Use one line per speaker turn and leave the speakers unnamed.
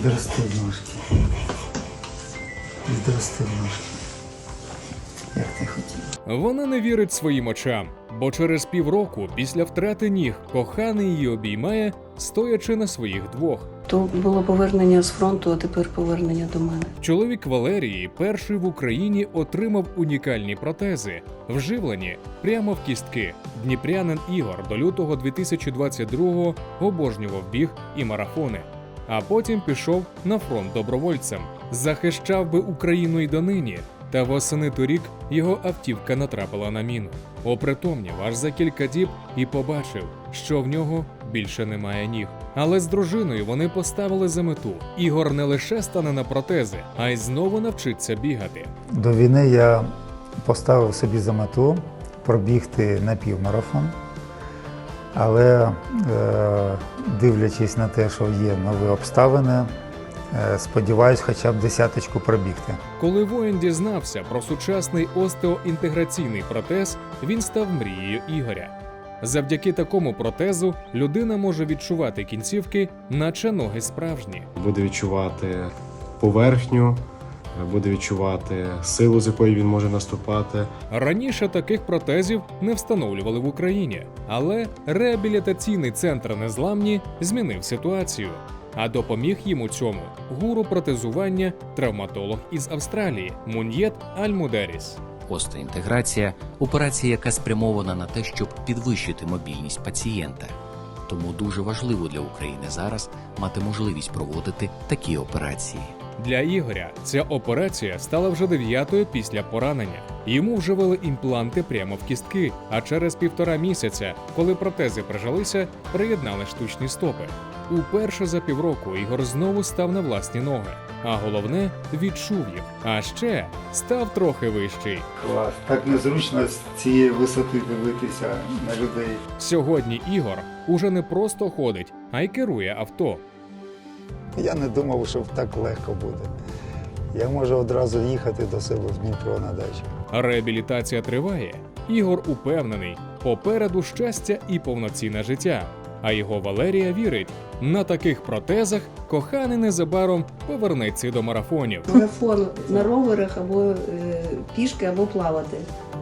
Відростив ножки. Відростив ножки. Як ти хотів.
Вона не вірить своїм очам, бо через півроку після втрати ніг коханий її обіймає, стоячи на своїх двох.
То було повернення з фронту, а тепер повернення до мене.
Чоловік Валерії перший в Україні отримав унікальні протези, вживлені прямо в кістки. Дніпрянин Ігор до лютого 2022-го обожнював біг і марафони. А потім пішов на фронт добровольцем. Захищав би Україну й донині. Та восени торік його автівка натрапила на міну. Опритомнів аж за кілька діб і побачив, що в нього більше немає ніг. Але з дружиною вони поставили за мету. Ігор не лише стане на протези, а й знову навчиться бігати.
До війни я поставив собі за мету пробігти напівмарафон. Але дивлячись на те, що є нові обставини, сподіваюсь хоча б десяточку пробігти.
Коли воїн дізнався про сучасний остеоінтеграційний протез, він став мрією Ігоря. Завдяки такому протезу людина може відчувати кінцівки, наче ноги справжні.
Буде відчувати поверхню, буде відчувати силу, з якої він може наступати.
Раніше таких протезів не встановлювали в Україні, але реабілітаційний центр «Незламні» змінив ситуацію. А допоміг їм у цьому гуру протезування, травматолог із Австралії Муньєт Аль-Мудеріс.
Остеоінтеграція – операція, яка спрямована на те, щоб підвищити мобільність пацієнта. Тому дуже важливо для України зараз мати можливість проводити такі операції.
Для Ігоря ця операція стала вже 9-ю після поранення. Йому вживали імпланти прямо в кістки, а через 1,5 місяця, коли протези прижилися, приєднали штучні стопи. Уперше за півроку Ігор знову став на власні ноги. А головне – відчув їх. А ще став трохи вищий.
Клас. Так незручно з цієї висоти дивитися на людей.
Сьогодні Ігор уже не просто ходить, а й керує авто.
Я не думав, що так легко буде. Я можу одразу їхати до себе в Дніпро на дачу.
Реабілітація триває. Ігор упевнений, попереду щастя і повноцінне життя. А його Валерія вірить, на таких протезах коханий незабаром повернеться до марафонів.
Марафон на роверах або пішки, або плавати.